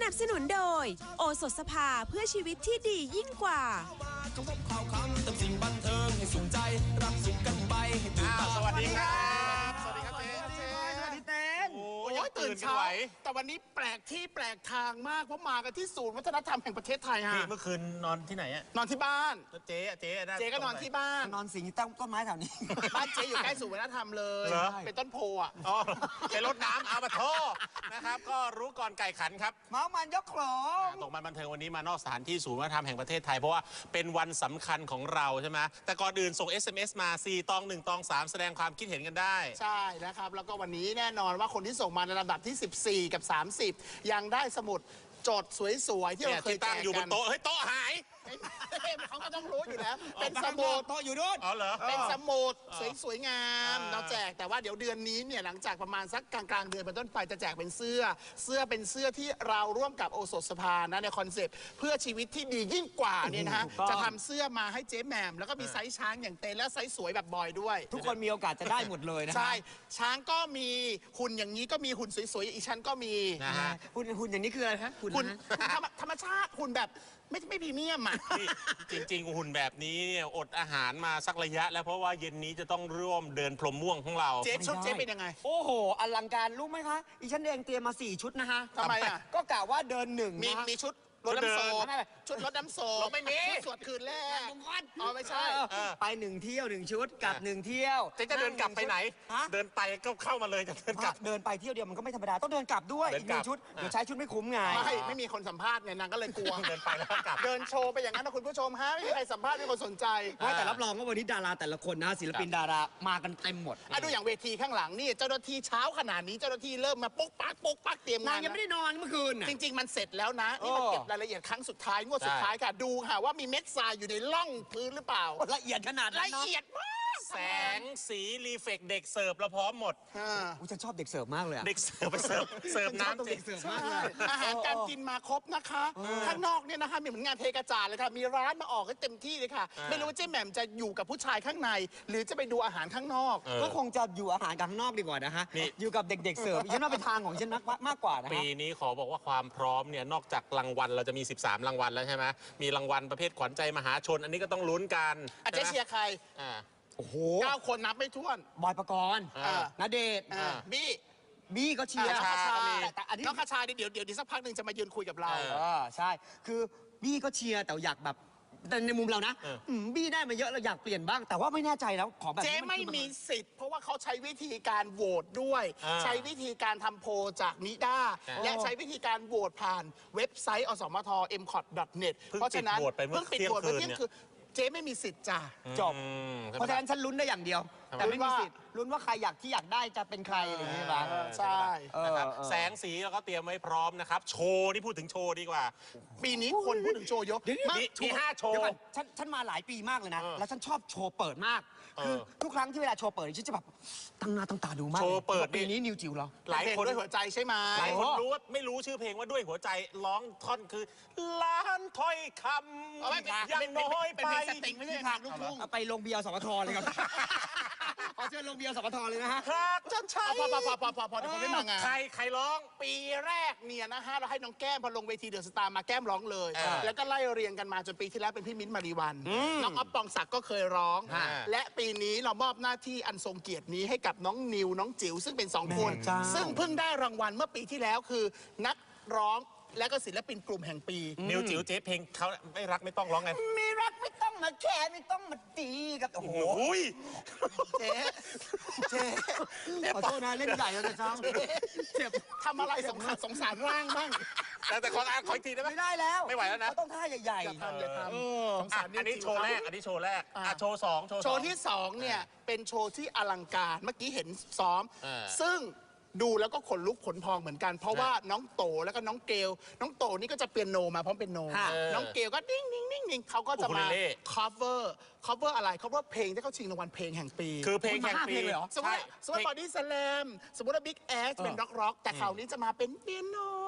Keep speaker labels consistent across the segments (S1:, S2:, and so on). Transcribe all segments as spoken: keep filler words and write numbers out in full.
S1: นับสนุนโดยโอสถสภาเพื่อชีวิตที่ดียิ่งกว่าข่าวคำเติมสิ่งบันเทิงให้สุขใจรับสุขกันไปให้ตื่นตาสวัสดีครับ
S2: สวัสดีครับเจ๊เจ๊
S3: สวัสดีเต้น
S2: โอ้ยตื่นเช้าแต่วันนี้แปลกที่แปลกทางมากเพราะมากันที่ศูนย์วัฒนธรรมแห่งประเทศไทยฮะ
S3: เมื่อคืนนอนที่ไหนอะ
S2: นอนที่บ้าน
S3: เจ๊เจ๊
S2: เจ๊ก็นอนที่บ้าน
S4: นอนสิงต้นต้นไม้แถวนี้
S2: บ้านเจ๊อยู่ใกล้ศูนย์วัฒนธรรมเลยเป็นต้นโพอ่ะ
S3: อ๋อไปรดน้ำเอามาโทนะครับก็รู้ก่อนไก่ขันครับ
S4: เมามันยกของ
S3: ตกมันบันเทิงวันนี้มานอกสถานที่ศูนย์วัฒนธรรมแห่งประเทศไทยเพราะว่าเป็นวันสำคัญของเราใช่ไหมแต่ก่อนอื่นส่ง เอส เอ็ม เอส มาสี่ตองหนึ่งตองสามแสดงความคิดเห็นกันได้
S2: ใช่นะครับแล้วก็วันนี้แน่นอนว่าคนที่ส่งมาในลำดับที่สิบสี่กับสามสิบยังได้สมุดจดสวยๆที่เราเคย
S3: ตั้งอยู่บนโต๊ะเฮ้ยโต๊ะหาย
S2: เขาก็ต้องรู้อยู่แล้วเป็นสมุด
S4: โต๊ะอยู่ด้วย
S3: อ๋อเหรอ
S2: เป็นสมุดสวยๆงามเราแจกแต่ว่าเดี๋ยวเดือนนี้เนี่ยหลังจากประมาณสักกลางๆเดือนเป็นต้นไปจะแจกเป็นเสื้อเสื้อเป็นเสื้อที่เราร่วมกับโอสถสภานะในคอนเซปต์เพื่อชีวิตที่ดียิ่งกว่าเนี่ยนะฮะจะทำเสื้อมาให้เจ๊แหม่มแล้วก็มีไซส์ช้างอย่างเต้นและไซส์สวยแบบบอยด้วย
S4: ทุกคนมีโอกาสจะได้หมดเลยนะ
S2: ใช่ช้างก็มีหุ่นอย่างนี้ก็มีหุ่นสวยๆอีกชั้นก็มี
S4: นะฮะหุ่นหุ่นอย่างนี้คืออะไรฮะ
S2: หุ่นธรรมชาติหุ่นแบบไม่ไม่พรีเมียมอ่ะ
S3: จริงๆหุ่นแบบนี้เนี่ยอดอาหารมาสักระยะแล้วเพราะว่าเย็นนี้จะต้องร่วมเดินพรมม่วงของเรา
S2: เจ๊ชุดเจ๊เป็นยังไง
S4: โอ้โหอลังการรู้ไหมคะอีฉันเองเตรียมมาสี่ชุดนะฮะ
S2: ทำไมอ่ะ
S4: ก็กะว่าเดินหนึ่ง
S2: มีมีชุดรถน้ำโซชุดรถน้ำโซ
S3: ไม่มี
S2: ชุดสวดคืนแรกอ๋อไม่ใช่
S4: ไปหนึ่งเที่ยวหนึ่งชุดกลับหนึ่งเที่ยว
S3: จะจะเดินกลับไปไหนเดินไปก็เข้ามาเลยจะเดินกลับ
S4: เดินไปเที่ยวเดียวมันก็ไม่ธรรมดาต้องเดินกลับด้วยหนึ่งชุดเดี๋ยวใช้ชุดไม่คุ้มไง
S2: ไม่ไม่มีคนสัมภาษณ์ไงนางก็เลยกลัว
S3: เดินไปแล้วกลับ
S2: เดินโชว์ไปอย่างนั้นนะคุณผู้ชมฮะไม่มีใครสัมภาษณ์ไม่มีคนสนใจ
S4: แต่รับรองว่าวันนี้ดาราแต่ละคนนะศิลปินดารามากันเต็มหมด
S2: ดูอย่างเวทีข้างหลังนี่เจ้าหน้าที่เช้าขนาดนี้เจ้าหน้าที่เริ่มมาปุ๊กปักปุ๊กปักเตรียมงาน
S4: ยังไม่ได้นอนเมื่อคืน
S2: จริงๆมันเสร็จแล้วนะนี่มันเก็บรายละเอียดครั้งสุดท้ายงวดสุดท้ายค่ะดูค่ะว่ามีเม็ดทรายอยู่ในร่องพื้นหรือเปล่า
S4: ละเอียดขนาด
S2: ละเอียดมาก
S3: แสงสีรีเฟกเด็กเสิร์ฟเราพร้อมหมด
S4: อุ้ยฉันชอบเด็กเสิร์ฟมากเลย
S3: เด็กเสิร์ฟไปเสิร์ฟเสิร์ฟน้ำ
S4: เด็กเสิร์ฟมากเลย
S2: อาหารการกินมาครบนะคะข้างนอกเนี่ยนะคะมีเหมือนงานเทกระจาดเลยค่ะมีร้านมาออกให้เต็มที่เลยค่ะไม่รู้ว่าเจ๊แหม่มจะอยู่กับผู้ชายข้างในหรือจะไปดูอาหารข้างนอก
S4: ก็คงจะอยู่อาหารข้างนอกดีกว่านะฮะอยู่กับเด็กๆเสิร์ฟฉันว่าเป็นทางของฉันมากกว่านะ
S3: ปีนี้ขอบอกว่าความพร้อมเนี่ยนอกจากรางวัลเราจะมีสิบสามรางวัลแล้วใช่ไหมมีรางวัลประเภทขวัญใจมหาชนอันนี้ก็ต้องลุ้นกัน
S2: อาจจะเชียร์ใคร
S4: โอ้โห
S2: เก้าคนนับไม่ถ้วน
S4: บอยปกรณ์ณเดชน์
S2: บี้
S4: บี้ก็เชียร์
S2: แต่อันนี้น้องคาชาเดี๋ยวเดี๋ยวสักพักหนึ่งจะมายืนคุยกับเรา
S4: ใช่คือบี้ก็เชียร์แต่อยากแบบแต่ในมุมเรานะบี้ได้มาเยอะเราอยากเปลี่ยนบ้างแต่ว่าไม่แน่ใจแล้วขอแบบ
S2: เจ๊ไม่มีสิทธิ์เพราะว่าเขาใช้วิธีการโหวตด้วยใช้วิธีการทำโพลจากนิด้าและใช้วิธีการโหวตผ่านเว็บไซต์อสมท เอ็ม คอท ดอท เน็ต เพราะฉะนั้น
S3: เพิ่งปิดโหวตไปเมื่อเที่ยงคืน
S2: เจ๊ไม่มีสิทธิ์จ้ะ
S4: จบเพราะฉะนั้นฉันลุ้นได้อย่างเดียวแต่ไม่มีสิทธิ์ลุ้นว่าใครอยากที่อยากได้จะเป็นใครอะไรอย่างนี้บ้าง
S2: ใช่
S3: นะครับแสงสีเราก็เตรียมไว้พร้อมนะครับโชว์ที่พูดถึงโชว์ดีกว่า
S2: ปีนี้คนพูดถึงโชว์เยอะ
S3: มีห้าโชว์
S4: ฉันฉันมาหลายปีมากเลยนะแล้วฉันชอบโชว์เปิดมากคือทุกครั้งที่เวลาโชว์เปิดฉันจะแบบตั้งหน้าตั้งตาดูมาก
S3: โชว์เปิด
S4: ปีนี้นิวจิ๋วเหรอ
S2: หลายคนด้วยหัวใจใช่ไหม
S3: หลายคนรู้ว่าไม่รู้ชื่อเพลงว่าด้วยหัวใจร้องท่อนคือล้านถ้อยคำยังน้อยไป
S2: ไม่ใช่ทางลูกทุ่ง
S4: ไปลงเบียร์สมทเลยครับขอเชิญลงเบียร์สมทเลยนะฮะ
S3: หากจะใช่
S2: พอพอพอพอพอพอเดี๋ยวผมไม่มางาน
S3: ใครใครร้อง
S2: ปีแรกเนี่ยนะฮะเราให้น้องแก้มพอลงเวทีเดอะสตาร์มาแก้มร้องเลยแล้วก็ไล่เรียงกันมาจนปีที่แล้วเป็นพี่มิ้นท์มารีวันน้องอ๊อฟปองศักดิ์ก็เคยร้องและปีนี้เรามอบหน้าที่อันทรงเกียรตินี้ให้กับน้องนิวน้องจิ๋วซึ่งเป็นสองคนซึ่งเพิ่งได้รางวัลเมื่อปีที่แล้วคือนักร้องและก็ศิลปินกลุ่มแห่งปี
S3: นิวจิ๋วเจ๊เพลงเขาไม่รักไม่ต้องร้องไง
S4: ไม่รักไม่ต้องมาแค่ไม่ต้องมาตีกับโอ้โหเจ๊เจ๊ขอโทษนะเล่นใหญ่เลยจ้า
S2: เจ็บทำอะไรสงสารสงสารร่างบ้าง
S3: แต่แต่ขออ่านขออีกทีได้ไหม
S4: ไม่ได้แล้ว
S3: ไม่ไหวแล้วนะ
S4: ต้องท่าใหญ่ๆ
S2: อย่าทำอย่าท
S3: ำสงสารอันนี้โชว์แรกอันนี้โชว์แรกอ่ะโชว์สอง
S2: โชว์ที่สองเนี่ยเป็นโชว์ที่อลังการเมื่อกี้เห็นซ้อมซึ่งดูแล้วก็ขนลุกขนพองเหมือนกันเพราะว่าน้องโตแล้วก็น้องเกลน้องโตนี่ก็จะเปียโนมาพร้อมเป็นโนน้องเกลก็นิ่งนิ่งนิ่งนิ่งเขาก็จะมา cover cover อะไร cover เพลงที่เขาชิงรางวัลเพลงแห่งปี
S3: คือเพลงแห่งปี
S2: สมมติสมมติบอดี้สแลมสมมติว่าบิ๊กแอสเป็นร็อกร็อกแต่คราวนี้จะมาเป็นเปียโน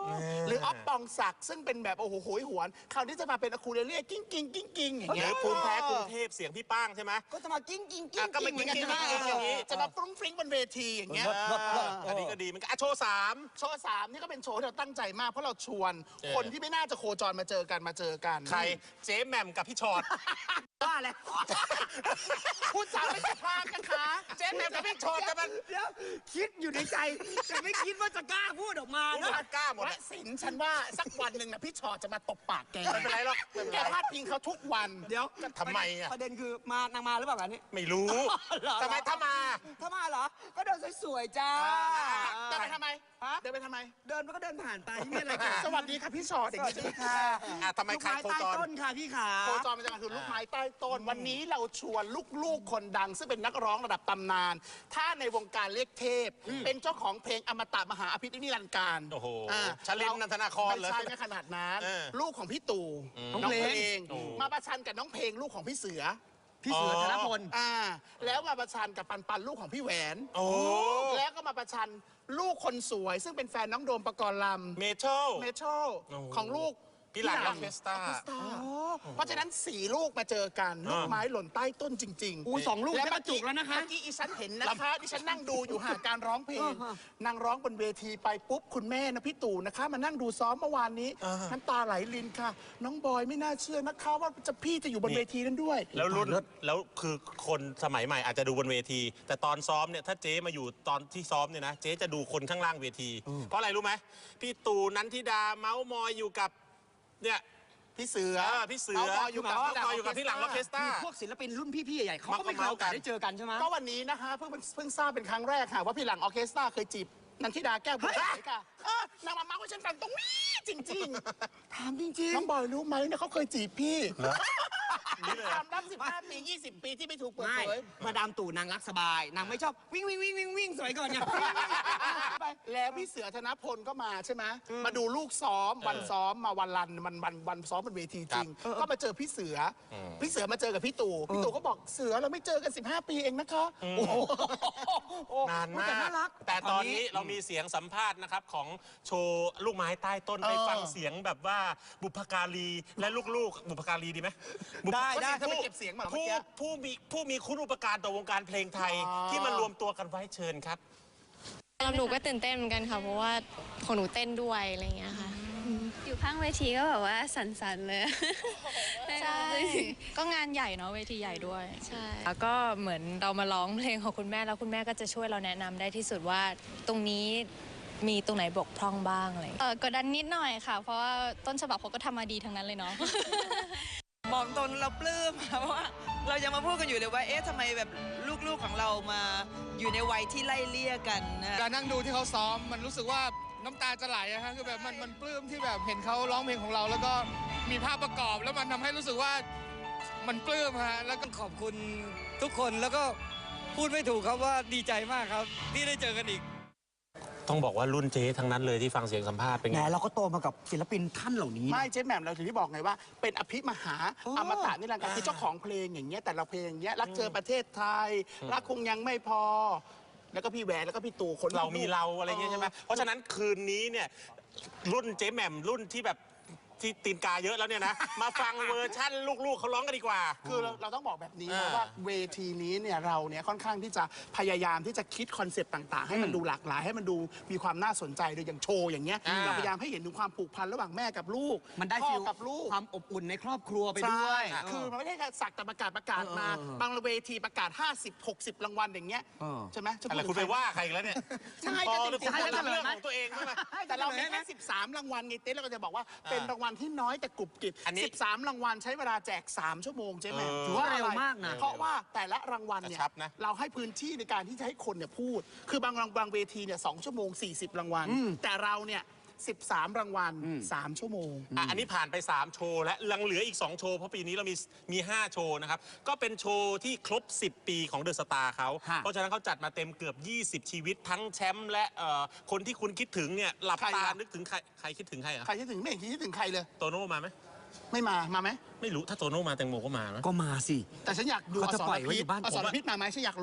S2: หรือออฟปองศักดิ์ซึ่งเป็นแบบโอ้โหโหยหวนคราวนี้จะมาเป็นอะคูเลเลียกิ้งกิ้งกิ้งกิ้งอย่าง
S3: ห
S2: เงี้
S3: รื
S2: ย
S3: อภูมิแพ้กรุงเทพเสียงพี่ป้างใช่ไหม
S4: ก็จะมากิ้งกิ้งกิ้
S2: อ่ะ
S4: ง
S2: ก็เป็น
S4: เหมื
S2: กิ้
S4: อง นกัน
S2: กิ้ง
S4: ใช่ไหม
S2: อย่างนี้จะมาฟรุ้งฟริ้งบนเวทีอย่างเงี้ย
S3: อันนี้ก็ดีเหมันก็อ่ะโชว์สาม
S2: โชว์สามนี่ก็เป็นโชว์ที่เราตั้งใจมากเพราะเราชวน
S3: เออ
S2: คนที่ไม่น่าจะโคจรมาเจอกันมาเจอกัน
S3: ใครเจ๊แหม่มกับพี่ชอด
S4: ว่าแล้ว
S2: พูดจาไม่สุภาพนะคะ
S3: เจ๊แหม่มกับพี่ชอดจะมัน
S4: เดี๋ยวคิดอยู่ในใจแต่ไม่คิดว่าจะกล้าพูดออกมา
S3: ผม
S4: นะ
S3: ว่ากล้าหมด
S2: และ
S3: อะ
S2: สินฉันว่าสักวันหนึ่งนะพี่ชอจะมาตบปากแก
S3: ไม่เป็นไรหรอกไม่เป็น
S2: แก
S3: ไร
S2: พาดพิงเขาทุกวัน
S4: เดี๋ยว
S3: ทำไมอะ
S4: ประเด็นคือมานางมาหรือเปล่าอันนี้
S3: ไม่รู้
S4: เหรอ
S3: ทำไมถ้ามา
S4: ถ้ามาเหรอ ก็เดินสวยๆจ้า
S2: เดินไปทำไม
S4: ฮะ
S2: เดินไปทำไม
S4: เดินมันก็เดินผ่านไปไม่มีอะไรเกิด
S2: สวัสดีค่ะพี่ชอ
S4: ส
S2: เด็ก
S4: วัสดีค่ะ
S3: อ่ะทำไม
S4: ลูก
S3: ใคร
S4: ไม้
S3: โค
S4: ใต้
S3: จร
S4: ต้นค่ะพี่ขา
S2: โคจรมันจะมาคือลูกไม้ใต้ต้น วันนี้เราชวนลูกๆคนดัง ซึ่งเป็นนักร้องระดับตำนาน ถ้าในวงการเรียกเทพ เป็นเจ้าของเพลงอมตะมหาอภินิรันดร์การ
S3: โอ้โห
S2: า
S3: ชลินนันทนาครเหรอ
S2: ไม่ใช่ไม่ขนาดนั้น
S3: เออ
S2: ลูกของพี่ตู่
S3: น้
S2: น้
S3: อ
S2: อง ง
S3: เพ
S2: เพ
S3: ล
S2: ล
S3: ง
S2: ง
S3: โอ้
S2: มาประชันกับน้องเพลงลูกของพี่เสือ
S4: พี่เสือธนพล
S2: อ่าแล้วมาประชันกับปันปันลูกของพี่แหวน
S3: โอ้
S2: แล้วก็มาประชันลูกคนสวย ซึ่งเป็นแฟนน้องโดมปกรณ์ลำ
S3: เมทัล
S2: เมทัล
S3: โอ้โห
S2: ของลูก
S3: พี่หลังออร์เคสตรา
S2: เพราะฉะนั้นสี่ลูกมาเจอกันลูกไม้หล่นใต้ต้นจริงๆ
S4: อู้สองลูก
S2: และ
S4: ได้บรรจุแล้วนะคะ
S2: เมื่อกี้อีฉันเห็นนะคะดิฉันนั่งดูอยู่ห่างการร้องเพลงนางร้องบนเวทีไปปุ๊บคุณแม่นะพี่ตู่นะคะมานั่งดูซ้อมเมื่อวานนี้น้ำตาไหลรินค่ะ น้องบอยไม่น่าเชื่อนะคะว่าจะพี่จะอยู่บนเวทีนั้นด้วย
S3: แล้วรุ่นแล้วคือคนสมัยใหม่อาจจะดูบนเวที แต่ตอนซ้อมเนี่ยถ้าเจ๊มาอยู่ตอนที่ซ้อมเนี่ยนะเจ๊จะดูคนข้างล่างเวที เพราะอะไรรู้ไหมพี่ตู่นันทิดาเมาส์มอยอยู่กับเนี่ย
S2: พี่เสือ
S3: เออพี่เสือ
S2: เมาส์มอยอยู่กับ
S3: เมาส์มอยอยู่กับพี่หลังออร์เคสตรา
S4: พวกศิลปินรุ่นพี่ๆใหญ่ๆเขาก็ไม่เคย
S3: มา
S4: โอกาส
S3: กัน
S4: ได้เจอกันใช่ไหม
S2: ก็วันนี้นะคะเพิ่งเพิ่งทราบเป็นครั้งแรกค่ะว่าพี่หลังออร์เคสตราเคยจีบนันทิดาแก้วบัวสวยค่ะเออนางมาเมาส์ให้ฉันฟังตรงนี้จริง
S4: ถามจริง
S2: ๆน้องบอยรู้ไหมเนี่ยเขาเคยจีบพี่
S3: นี่เลย
S2: ความลับสิบห้าปียี่สิบปีที่ไม่ถูก
S4: ๆ
S2: เปิด
S4: ไม่
S2: เผย
S4: มาดามตู่นางรักสบาย นางไม่ชอบวิ่งวิ่งวิ่งวิ่งวิ่งสวยก่อนเนี่ย
S2: ไปแล้วพี่เสือธนพลก็มาใช่ไหมมาดูลูกซ้อมวันซ้อมมาวันรันมันวันวันซ้อมบนเวทีจริง ก็มาเจอพี่เสืออพี่เสือมาเจอกับพี่ตู่พี่ตู่ก็บอกเสือเราไม่เจอกันสิบห้าปีเองนะคะโอ้โห
S3: นานมา
S4: แต่น่ารั
S3: ก
S4: ก
S3: แต่ตอนนี้เรามีเสียงสัมภาษณ์นะครับของโชว์ลูกไม้ใต้ต้นไปฟังเสียงแบบว่าบุพการีและลูกๆ บุพการีดีไหมบุพ
S2: ได้ได้
S3: ผู้
S2: ถ้าไปเก็บเสียงมาเมื่อ
S3: ผู้
S2: กี้
S3: ผู้มีผู้มีคุณอุปการต่อวงการเพลงไทย
S2: อ๋อ
S3: ที่มารวมตัวกันไว้เชิญครับ
S5: สำหรับหนูก็ตื่นเต้นเหมือนกันค่ะ เพราะว่าของหนูเต้นด้วยอะไรอย่างเงี้ยค่ะ
S6: อยู่ข้างเวทีก็แบบว่าสั่นๆเลย
S5: ใช่
S6: ก็งานใหญ่เนาะเวทีใหญ่ด้วย
S5: ใช่
S6: แล้วก็เหมือนเรามาร้องเพลงของคุณแม่แล้วคุณแม่ก็จะช่วยเราแนะนำได้ที่สุดว่าตรงนี้มีตรงไหนบกพร่องบ้างอะไรอย่าง
S5: เอ
S6: เงี้ย
S5: อกดดันนิดหน่อยค่ะ เพราะว่าต้นฉบับเขาก็ทำมาดีทั้งนั้นเลยเนาะ
S7: บอกตรงเราปลื้มค่ะเพราะว่าเรายังมาพูดกันอยู่เลยว่าเอ๊ะทำไมแบบลูกๆของเรามาอยู่ในวัยที่ไล่เลี่ยกันนะ
S8: การนั่งดูที่เขาซ้อมมันรู้สึกว่าน้ำตาจะไหลอะฮะคือแบบมันมันปลื้มที่แบบเห็นเขาร้องเพลงของเรา แล้วก็มีภาพประกอบแล้วมันทำให้รู้สึกว่ามันปลื้มฮะแล้วก็
S9: ขอบคุณทุกคนแล้วก็พูดไม่ถูกครับว่าดีใจมากครับที่ได้เจอกันอีก
S3: ต้องบอกว่ารุ่นเจ๊ทั้งนั้นเลยที่ฟังเสียงสัมภาษณ์เป็น
S4: แหม
S3: ไง
S4: เราก็โตมากับศิลปินท่านเหล่านี้นะ
S2: ไม่เจ๊แหม่มเราถึงที่บอกไงว่าเป็นอภิมหาอมตะนี่แหละคือเจ้าของเพลงอย่างเงี้ยแต่ละเพลงอย่างเงี้ยรักเจอประเทศไทย รักคงยังไม่พอ แล้วก็พี่แหวนแล้วก็พี่ตู่คน
S3: เรามีเราอะไรเงี้ยใช่ไหมเพราะฉะนั้นคืนนี้เนี่ยรุ่นเจ๊แหม่มรุ่นที่แบบที่ตีนกาเยอะแล้วเนี่ยนะ มาฟังเวอร์ชั่นลูกๆเขาร้องกันดีกว่า
S2: คือเราเราต้องบอกแบบนี้
S3: อ่า
S2: ว่าเวทีนี้เนี่ยเราเนี่ยค่อนข้างที่จะพยายามที่จะคิดคอนเซปต์ต่างๆ ให้มันดูหลากหลายให้มันดูมีความน่าสนใจโดยอย่างโชว์อย่างเงี้ยเราพยายามให้เห็นถึงความผูกพันระหว่างแม่กับลูก
S4: มันได้
S2: พ่อ
S4: ฟิล
S2: กับลูก
S4: ความอบอุ่นในครอบครัวไป
S2: ใช่
S4: ด้วย
S2: คือมันไม่ได้แค่สักแต่ประกาศประกาศมา
S4: เออเออ
S2: บางเวทีประกาศ ห้าสิบ หกสิบ รางวัลอย่างเงี้ย
S4: เออ
S2: ใช่ไหมจะ
S3: อะไร
S2: พูด
S3: คุณ
S2: ถึ
S3: ไป
S2: งใคร
S3: ว่าใครอีกแล้วเนี่ย
S2: ใช่
S3: พอ
S2: ก็
S3: แล้ว
S2: จริ
S3: คุณ
S2: งๆ
S3: จะทำเรื่องของตัวเองบ้างไหม
S2: แต่เรามีแค่สิบสาม รางวัลไงเต้เราก็จะบอกว่าเป็นรางวัลที่น้อยแต่กรุบกริบ
S3: อันนี้
S2: สิบสาม รางวัลใช้เวลาแจก สาม ชั่วโมงใช่ไหม
S3: เออ
S2: ถือว่า
S4: เร็ว
S2: อะไร
S4: มากนะ
S2: เพราะว่าแต่ละรางวัลเนี่ย
S3: กระชับนะ
S2: เราให้พื้นที่ในการที่จะให้คนเนี่ยพูด คือบางรางบางเวทีเนี่ยสองชั่วโมง สี่สิบ รางวัล แต่เราเนี่ยสิบสาม รางวัล สาม ชั่วโมง
S3: อ่ะอันนี้ผ่านไป สาม โชว์ และยังเหลืออีก สอง โชว์ เพราะปีนี้เรามีมี ห้า โชว์นะครับ ก็เป็นโชว์ที่ครบ สิบ ปีของเดอะสตาร์เขา
S4: ฮะ
S3: เพราะฉะนั้นเขาจัดมาเต็มเกือบ ยี่สิบ ชีวิต ทั้งแชมป์และเอ่อคนที่คุณคิดถึงเนี่ยหลับ
S2: ใคร
S3: ตา
S2: ล่ะ
S3: นึกถึงใครใครคิดถึงใครอ่ะ
S2: ใครคิดถึงไม่เห็นคิดถึงใครเลย
S3: โตโน่มาไหม
S2: ไม่มามาไหม
S3: ไม่รู้ถ้าโตโน่มาแตงโมก็มานะ
S4: ก็มาสิ
S2: แต่ฉันอยากดูอ
S4: เขาจะ
S2: ส
S4: ปล่
S2: ร
S4: อยไว้
S2: พิ
S4: อ
S2: ษ
S4: ยู่บ้าน
S2: อส
S4: ผม
S2: ร
S4: อะ
S2: พิษมาไหมฉันอยากรู้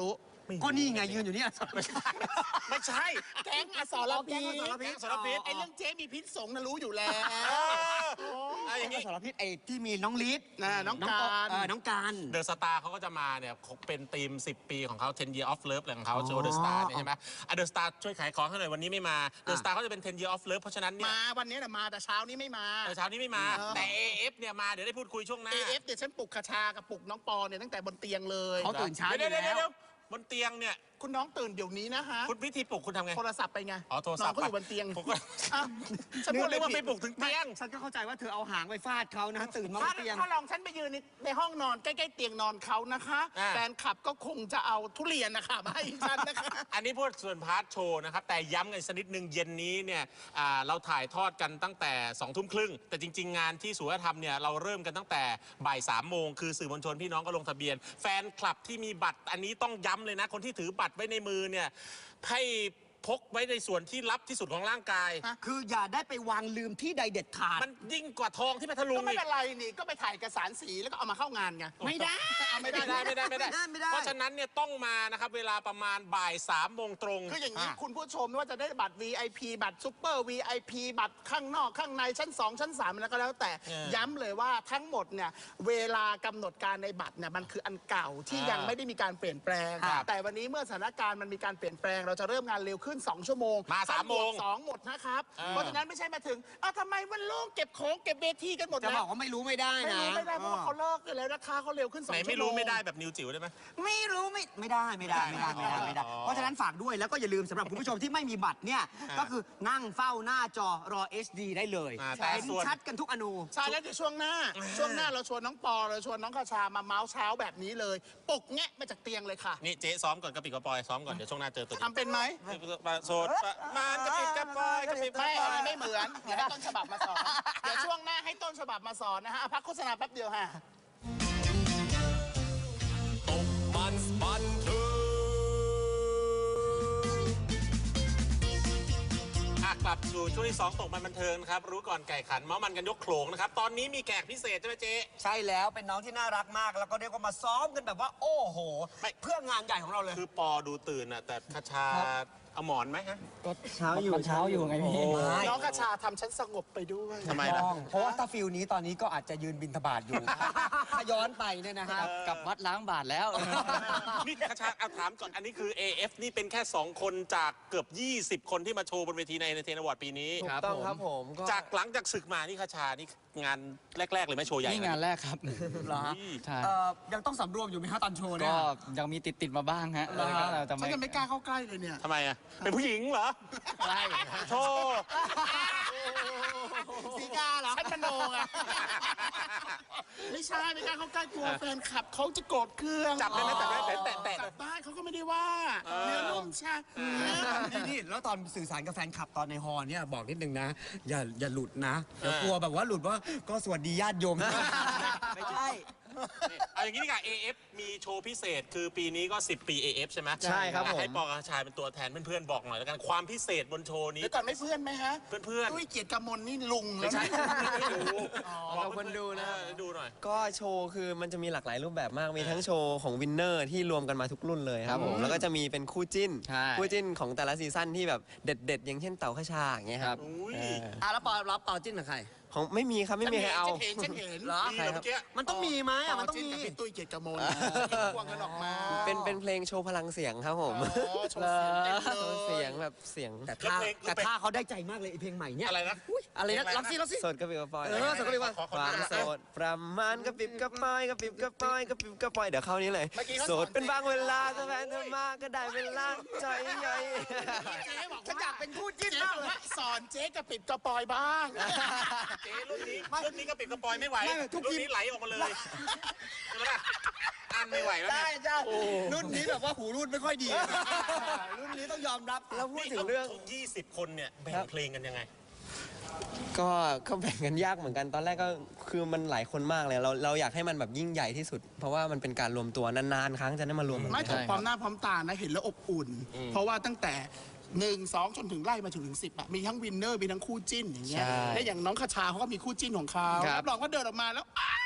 S4: ก็นี่ไงยืนอยู่เนี่ย
S3: ไม่ใช่
S2: แก๊งอสรพิษ
S4: แก๊งอสรพิษ
S2: แก๊งอสรพิษไอ้เรื่องเจ๊มีพิษสงฆ์น่ะรู้อยู่แล้ว
S3: เอาอย่าง
S4: แก๊
S3: นี้
S4: งอสรพิษไอ้ที่มีน้องลิศ
S2: น่ะน้องการ
S4: เออน้องการ
S3: เดอะสตาร์เขาก็จะมาเนี่ยเป็นธีมสิบปีของเขาten year of love อะไรของเขาโชว์เดอะสตาร์เนี่ยใช่ไหมอ่ะเดอะสตาร์ช่วยขายของให้หน่อยวันนี้ไม่มาเดอะสตาร์เขาจะเป็นten year of love เพราะฉะนั้นเนี่ย
S2: มาวันนี้แหละมาแต่เช้านี้ไม่มา
S3: แต่เช้านี้ไม่มา
S2: เออ
S3: แต่ เอ เอฟ เนี่ยมาเดี๋ยวได้พูดคุยช่วงหน้า
S2: เอ เอฟ เดี๋ยวฉันปลุกคชากับปลุกน้องปอเนี่ยตั้งแต่บนเตียงเลย
S4: เขาตื่นเช้าอยู่
S3: เดี๋ยว
S4: แล้ว
S3: เดี๋ยวเดี๋ยวบนเตียงเนี่ย
S2: คุณน้องตื่นเดี๋ยวนี้นะฮะ
S3: คุณพิธีปลุกคุณทำไง
S2: โทรศัพท์ไปไง
S3: อ๋อโทรศัพท์
S2: น้องเขาอยู่บนเตียง
S3: ผมก็
S2: อ้าวฉันพูดเลยว่าไปปลุกถึง
S4: ไม่
S2: เตียง
S4: ฉันก็เข้าใจว่าเธอเอาหางไปฟาดเขานะตื่นมาบ
S2: ถ้าน
S4: เตียง
S2: ถ้าลองฉันไปยืนในในห้องนอนใกล้ๆเตียงนอนเขานะคะ
S3: อ่า
S2: แฟนคลับก็คงจะเอาทุเรียนนะคะมาให้ฉันนะคะ
S3: อันนี้พูดส่วนพาร์ทโชว์นะครับ แต่ย้ำกันสักนิดนึงเย็นนี้เนี่ยอ่าเราถ่ายทอดกันตั้งแต่สองทุ่มครึ่งแต่จริง ๆ งานที่สุวรรณธรรมเนี่ยเราเริ่มกันตั้งแต่บ่ายสามโมงคือสื่อมวลชนพี่น้องก็ลงทะเบียน แฟนคลับที่มีบัตรอันนี้ต้องย้ำเลยนะ คนที่ถือบัตรไว้ในมือเนี่ยให้พกไว้ในส่วนที่ลับที่สุดของร่างกาย
S4: คืออย่าได้ไปวางลืมที่ใดเด็ดขาด
S3: มันยิ่งกว่าทองที่พัทลุ
S2: ก็
S3: ง
S2: ไม่
S3: อีก
S2: เป็นไรนี่ก็ไปถ่ายเอกสารสีแล้วก็เอามาเข้างานไง
S4: ไม่ได้
S2: เอาไม่ได้
S3: ไม่ได้ไม่ได้ไม่ได้
S4: ไม่ได้
S3: เพราะฉะนั้นเนี่ยต้องมานะครับเวลาประมาณบ่ายสามโมงตรง
S2: คืออย่างนี้คุณผู้ชมไม่ว่าจะได้บัตร วี ไอ พี บัตรซุปเปอร์ วี ไอ พี บัตรข้างนอกข้างในชั้นสองชั้นสามแล้วก็แล้วแต่
S3: เออ
S2: ย้ำเลยว่าทั้งหมดเนี่ยเวลากำหนดการในบัตรเนี่ยมันคืออันเก่าที่
S3: อ่ายั
S2: ยังไม่ได้มีการเปลี่ยนแปลง
S3: ครับ
S2: แต่วันนี้เมื่อสถานการณ์มันมีการเปลี่ยนแปลง เราจะเริ่มงานเร็วขึ้นสองชั่วโมง
S3: มาสามโมง
S2: สองหมดนะครับ
S3: เออ
S2: เพราะฉะนั้นไม่ใช่มาถึงอ้าวทำไมมันโล่งเก็บของเก็บเวทีกันหมด
S4: จะ
S2: แล้ว
S4: บอกว่าไม่รู้ไม่ได้
S2: ไม่
S4: นะ
S2: รู้ไม่ได้เพราะว่าเขาเลิกกันแล้วนะคะเขาเร็วขึ้นสอง
S3: ไหน
S2: ชั่วโมง
S3: ไม่รู้ไม่ได้แบบนิวจิ๋วได้ไหม
S4: ไม่รู้ไม่ไม่ได้ไม่ได้ไม่ได้ไม่ได้ไม่ได้
S3: อ๋อ
S4: เพราะฉะนั้นฝากด้วยแล้วก็อย่าลืมสำหรับคุณผู้ชมที่ไม่มีบัตรเนี่ย
S3: อ่า
S4: ก็คือนั่งเฝ้าหน้าจอรอ เอช ดี ได้เลย
S3: อ่าแต่
S4: เห็น
S3: ส่วน
S4: ชัดกันทุกอนู
S2: ใช่แล้วเดี๋ยวช่วงหน้า ช่วงหน้าเราชวนน้องปอเราชวนน้องคาชามาเมาส์เช้าแบบนี้เลยปลุกแงะมาจากเตียงเลยค่ะ
S3: นี่เจ๊ซ้อมก่อนกระปิดกระปอยซ้อมก่อนเดี๋ยวช่วงหน้าเจอตัวจริง
S2: ทำเป็นไหม
S3: โสดมานกระปิดกระปอยกระปิดกระ
S2: ไม่
S3: ปอ
S2: อัน
S3: ย
S2: นี้ไม่เหมือนเดี๋ยวให้ต้นฉบับมาสอน เดี๋ยวช่วงหน้าให้ต้นฉบับมาสอนนะฮะอ่ะพักโฆษณาแป๊บเดียวฮะ
S1: ตกมันบันเทิง
S3: อ่ะกลับสู่ช่วงที่สองตกมันบันเทิงนะครับรู้ก่อนไก่ขันเมาส์มันกันยกโขลงนะครับตอนนี้มีแขกพิเศษใช่ไหมเจ๊
S4: ใช่แล้วเป็นน้องที่น่ารักมาก แล้วก็เรียกว่ามาซ้อมกันแบบว่า โอ้โห
S3: ไม่
S4: เพื่องานใหญ่ของเราเลย
S3: คือปอดูตื่นอ่ะแต่คาชาเอาหมอนไหมฮะ
S9: เช้าอยู่เช้าอยู่ไงพี่
S2: น้องคาชาทำฉันสงบไปด้วย
S3: ทำไมล่ะ
S4: เพราะว่าถ้าฟิลนี้ตอนนี้ก็อาจจะยืนบินทบาทอยู่ ถ้าย้อนไปเนี่ยนะฮะ
S9: กลับวัดล้างบาทแล้ว
S3: นี่คาชาเอาถามก่อนอันนี้คือ เอ เอฟ นี่เป็นแค่สองคนจากเกือบยี่สิบคนที่มาโชว์บนเวทีในเทนอวอร์ดปีนี้
S9: ครับ
S10: ต้องครับผมก็
S3: จากหลังจากศึกมานี่คาชานี่งานแรก ๆ เลยไหมโชว์ใหญ่
S9: นี่งานแรกครับ
S4: เหรอฮะ
S9: ใช่
S4: เอ่อยังต้องสำรวมอยู่ไหมฮะตอนโชว์เนี่
S9: ก็
S4: ย
S9: ยังมีติดติดๆมาบ้างฮะ
S4: เหรอ
S9: แล้วก็เราจะ
S2: ฉัน
S9: ไม่
S2: จะไม่กล้าเข้าใกล้เลยเนี่ย
S3: ทำไมอ่ะเป็นผู้หญิงเหรอ
S9: ใช่
S3: โชว์
S2: สีกาเหรอฉันมโนไงไม่ใช่ไม่กล้าเข้าใกล้กลัวแฟนคลับเขาจะโกรธเครื่อง
S3: จับได้ไหมแต่ไม่แต่แต่แต่
S2: จับได้เขาก็ไม่ได้ว่าเนื้อนุ่มใช่
S4: นี่นี่แล้วตอนสื่อสารกับแฟนคลับตอนในฮอลล์เนี่ยบอกนิดนึงนะ อย่าอย่าหลุดนะเดี๋ยวกลัวแบบว่าหลุดว่าก็สวัสดีญาติโยม ไม่ใช่
S3: นี่เอาอย่างนี้ดีกว่า เอ เอฟ มีโชว์พิเศษคือปีนี้ก็สิบปี เอ เอฟ ใช่ไหม
S10: ใช่ครับผม
S3: ให้ปอกับชายเป็นตัวแทนเพื่อนๆบอกหน่อยแล้วกันความพิเศษบนโชว์นี้
S2: เดี๋ยวก่อนไม่เพื่อนไหมฮะ
S3: เพื่อน
S2: ตุ้ยเกียรติกมลนี่ลุง
S3: ๆ
S2: แล้
S3: ไม่
S2: ว
S3: ใช่
S2: นะ
S3: ไม่ดู
S10: ขอบคุณดูนะ
S3: เออดูหน่อย
S10: ก็โชว์คือมันจะมีหลากหลายรูปแบบมาก มีทั้งโชว์ของวินเนอร์ที่รวมกันมาทุกรุ่นเลยครับผม แล้วก็จะมีเป็นคู่จิ้น
S9: ใช่
S10: คู่จิ้นของแต่ละซีซั่นที่แบบเด็ดๆ อย่างเช่นเต่าขชาอย่างเงี้ยครับ
S3: อุ้ย
S10: เออ
S4: อ่ะแล้วปอรับเป่าจิ้นกับใคร
S10: ของไม่มีครับไม่มีใครเอา
S2: ฉันเห็นฉันเห็น
S4: เหรอ
S3: นี่เหรอเมื่อกี้
S4: มันต้องมีไหมอ่ะมันต้อง
S2: จิ้น
S4: มี
S2: กับพี่ตุ้ยเกียรติกมลควงกันออกมา
S10: เป็นเป็นเพลงโชว์พลังเสียงครับผม
S2: อ๋อโชว์เสียงเต็มเลย
S10: โชว์เสียงแบบเสียง
S4: แต่ท่าแต่ท่าเขาได้ใจมากเลยไอเพลงใหม่เนี่ย
S3: อะไรนะ
S4: อุ๊ยอะไรนะรับซิรับซิ
S10: สดกระปิบกระปอย
S4: เออสดกระปิบกระปอย
S10: ความโสดประมาณกระปิบกระปอยกระปิบกระปอยกระปิบกระปอยเดี๋ยวเข้านี้เลย
S2: เมื่อกี้เขา
S10: โสดเป็นบางเวลาถ้าแฟนเธอมาก็ได้เวลาใจใหญ่
S2: เจ๊บอก
S4: ฉันอยากเป็นคู่จิ้น
S2: เจ๊
S4: มาก
S2: บอก
S4: เลย
S2: ว่าสอนเจ๊กระปิดกระปอยบ้าง
S3: เจ๊รุ่นนี้รุ่นนี้ก็ปิดกระปอยไม่ไหว
S4: ไม่ทุกที
S3: รุ่นนี้ไหลออกมาเลยใช่ไหมล่ะอันไม่ไหวแล้ว
S4: ได้
S3: เนี่ย
S4: จ้ารุ่นนี้แบบว่าหูรุ่นไม่ค่อยดี รุ่นนี้ต้องยอมรับ
S10: แล้วพูดถึงเรื่อง
S3: ยี่สิบคนเนี่ยแบ่งเพลงกันยังไง
S10: ก็ก็แบ่งกันยากเหมือนกันตอนแรกก็คือมันหลายคนมากเลยเราเราอยากให้มันแบบยิ่งใหญ่ที่สุด เพราะว่ามันเป็นการรวมตัวนานๆครั้งจะได้มารวมกัน
S2: ไม่แต่พร้อมหน้าพร้อมตานะเห็นแล้วอบอุ่น เพราะว่าตั้งแต่หนึ่งสองจนถึงไล่มาถึงถึงสิบอะมีทั้งวินเนอร์มีทั้งคู่จิ้นอย่างเงี้ยและอย่างน้องคาชาเขาก็มีคู่จิ้นของเขา
S9: ครับ
S2: รับรองว่าเดินออกมาแล้วอ้า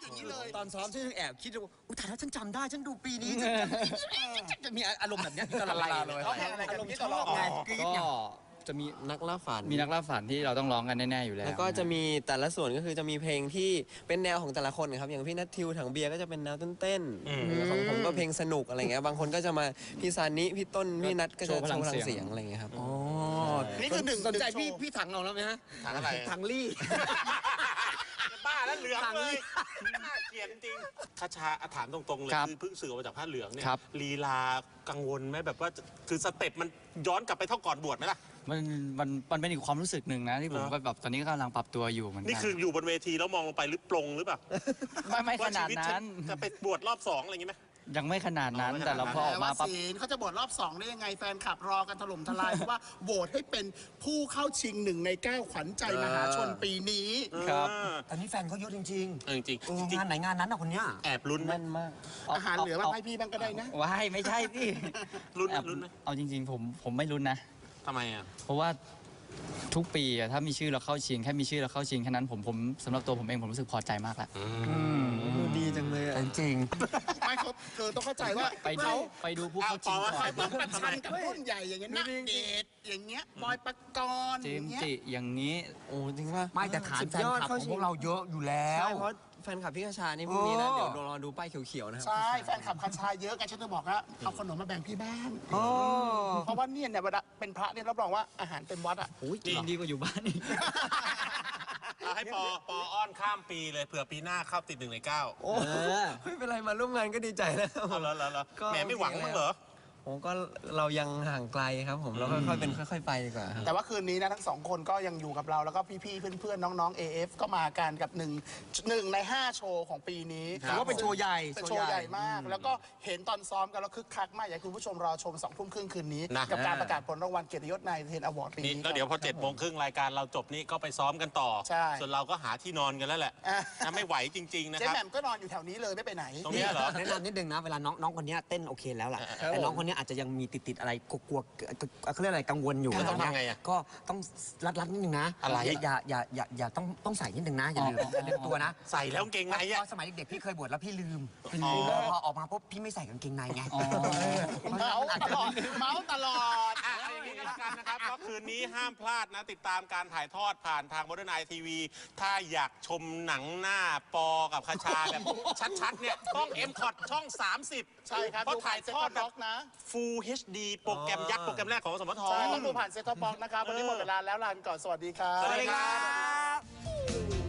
S2: อย่างนี้เลย
S4: ตอนซ้อมฉันยังแอบคิดว่าอุ้ยแต่ถ้าฉันจำได้ฉันดูปีนี้ฉันจะมีอารมณ์แบบนี้ตลอดเวลาเลย
S2: เขาแข่งอะไรกัน
S4: อารมณ์
S2: ที่
S4: ช
S2: ต
S4: อบ
S2: ลอด
S4: ไงกรี๊ด
S9: ก็
S4: ไง
S10: จะมีนักล่าฝัน
S9: มีนักล่าฝันที่เราต้องร้องกันแน่ๆอยู่แล้ว
S10: แล้วก็จะมีแต่ละส่วนก็คือจะมีเพลงที่เป็นแนวของแต่ละคนนะครับอย่างพี่นัททิวถังเบียร์ก็จะเป็นแนวเต้นๆของผมก็เพลงสนุกอะไรเงี้ยบางคนก็จะมาพี่ซานิพี่ต้นพี่นัทก็จะโชว์พลังเสียงอะไรเงี้ยครับ
S4: อ๋อ
S2: นี่คือหนึ่ง
S4: สนใจ
S2: หนึ่งโชว์
S4: พี่พี่ถังเอาแล้วไหมฮะ
S3: ถังอะไร
S4: ถังลี่
S3: บ้าแล้วเหลืองเลยน่าเกลียดจริงคาชาถามตรงๆเลย
S9: ครับ
S3: คือเพิ่งสื่อออกมาจากผ้าเหลืองเนี่ย
S9: ครับ
S3: ลีลากังวลไหมแบบว่าคือสเต็ปมันย้อนกลับไปเท่าก่อนบวชไหมล่ะ
S9: มันมันมันเป็นอีกความรู้สึกหนึ่งนะที่ผม
S3: เหรอ
S9: ก็แบบตอนนี้ก็กำลังปรับตัวอยู่เหมือนกั
S3: นี่คืออยู่บนเวทีแล้วมองลงไปหรือปลงหรือเปล่า
S9: ไม่ไม่ข
S3: ว่า
S9: นา
S3: ชี
S9: ด
S3: วิต
S9: นั้น
S3: ฉัจะไปบวชรอบสองอะไรอย่างงี้ไหม
S9: ยังไม่ขนาดนั้น
S3: อ๋อไม่ขนาดนั้น
S9: แต่เราพอออก
S2: แต่
S9: มา
S2: ว่า
S9: ปั๊บ
S2: ศีลเขาจะบวชรอบสองได้ยังไงแฟนคลับรอกันถล่มทลาย เพราะว่าโหวตให้เป็นผู้เข้าชิงหนึ่งในเก้าขวัญใจมหาชนปีนี้
S9: ครับ
S3: เออ
S4: ตอนนี้แฟนเขาเยอะจริง
S3: เออจริง
S4: ๆเออ
S3: ๆจริง
S4: งานไหนงานนั้นนะคนเนี้ย
S3: ๆแอบลุ้นไหม
S10: แน่นมาก
S2: อาหารเหลือมาให้พี่บ้างก็ได้นะ
S9: ว้ายไม่ใช่พี่
S3: ลุ้น
S9: แอบ
S3: ลุ้นไหม
S9: เอาจริง ๆ ผมผมไม่ลุ้นนะ
S3: ทำไมอ่ะ
S9: เพราะว่าทุกปีอะถ้ามีชื่อเราเข้าชิงแค่มีชื่อเราเข้าชิงแค่นั้นผมผมสำหรับตัวผมเองผมรู้สึกพอใจมากแล้ว
S10: ดีจังเลยอะ
S4: จริง
S2: ไม่เขาเธอต้องเข้าใจว่า
S9: ไปดู
S2: เขา
S9: ไปดูผู้เข้าชิง
S3: เอา
S9: ก่
S3: ต่อ
S9: อน
S3: มา
S2: ประชันกับรุ่นใหญ่อย่างเงี้ยนักเดทอย่างเงี้ยบอยปกรณ์
S9: เจ
S2: อ
S9: ม
S2: ย่าง
S9: ส์
S2: เงี้ย
S9: จิอย่างนี้
S10: โอ้จริงป่ะ
S4: ไม่แต่ฐาน
S10: สุด
S4: แฟน
S10: ยอด
S4: คลับ
S10: เข้า
S4: ของ
S10: ชิ
S4: พวกเราเยอะอยู่แล้ว
S10: ใช่เพราะแฟนคลับพี่กระชานี่พรุ่งนี้นะ
S4: โอ้
S10: เดี๋ยวรอดูป้ายเขียวๆนะครับ
S2: ใช่แฟนคลับคันชายเยอะกันฉันจะบอกว่าเอาขนมมาแบ่งพี่บ้าง
S4: โอ้
S2: เพราะว่าเนี่ยเนี่ยเวลาเป็นพระเนี่ยรับรองว่าอาหารเต็มวัดอ่ะ
S9: โอ้ยกินดีกว่าอยู่บ้านอีก
S3: เอาให้ปอปออ้อนข้ามปีเลยเผื่อปีหน้าเข้าติดหนึ่งในเก้า
S10: โอ้ไม่เป็นไรมาร่วมงานก็ดีใจแล้ว
S3: เอาแล้วแล้วแล้ว
S10: ก็
S3: แหมไม่หวังมั้างเหรอ
S10: ผมก็เรายังห่างไกลครับผมเราค่อยๆเป็นค่อย ๆ ไปดีกว่าครับ
S2: แต่ว่าคืนนี้นะทั้งสองคนก็ยังอยู่กับเราแล้วก็พี่ๆเพื่อนๆน้องๆ เอ เอฟ ก็มากันกับหนึ่งหนึ่งในห้าโชว์ของปีนี้
S4: ถือว่าเป็นโชว์ใหญ่
S2: เป็นโชว์ใหญ่มาก แล้วก็เห็นตอนซ้อมกันแล้วคึกคักมาก อยากให้คุณผู้ชมรอชมสองทุ่มครึ่งคืนนี้
S3: นะ
S2: กับการประกาศผลรางวัลเกียรติยศนายเทนอวอร์ดปี
S3: นี่
S2: นี้
S3: แล้วเดี๋ยวพอเจ็ดโมงครึ่งรายการเราจบนี่ก็ไปซ้อมกันต่อ
S2: ใช่
S3: ส่วนเราก็หาที่นอนกันแล้วแหละ
S2: อ่ะ
S3: นะไม่ไหวจริง ๆ นะ
S2: เจ๊
S3: ครับ
S2: แหม่มก็นอนอยู่แถวนี้เลยไม่ไปไหน
S3: ตรงเนี้ยเหรอ
S4: แนะนำนิดนึงนะเวลาน้องน้องคนเนี้ยเต้นโอเคแล้วล่ะ
S3: ครับ
S4: แต่น้องคนเนี้ยอาจจะยังมีติดติดๆอะไรกลัวๆเขาเรียกอะไรกังวลอยู่
S3: แล้วต้อง
S4: นะ
S3: ทำไงอะ
S4: ก็ต้องรัดรัดนิดนึงนะ
S3: อะไร
S4: อย่าอย่าอย่าอย่าต้องต้องใส่นิดนึงนะอย่าลืมอย่าลืมตัวนะ
S3: ใส่แล้วกางเกงใน
S4: เพ
S3: อะ
S4: ราะสมัยเด็กๆพี่เคยบวชแล้วพี่ลืม
S3: อ๋อ
S4: พอออกมาปุ๊บพี่ไม่ใส่กางเกงในไง
S2: เมาส์ตลอดเมาส์ตลอด
S3: อ่ะเอาอย่างนี้ก็แล้วกันนะครับก็คืนนี้ห้ามพลาดนะ ติดตามการถ่ายทอดผ่านทาง Modern Night ที วี ถ้าอยากชมหนังหน้าปอกับคาชาแบบชัดๆเนี่ยต้อง เอ็ม คอท ช่อง สามสิบ
S2: ใช่ครับ
S3: เพราะถ่ายทอด
S2: ดูผ่าน Set Top Box นะ
S3: Full เอช ดี โปรแกรมยักษ์โปรแกรมแรกของสมท
S2: ใช่ต้องดูผ่านเซ็ตท็อปบ็อกนะครับ วันนี้หมดเวลาแล้วลาไปก่อนสวัสดีครับ
S3: สวัสดีครับ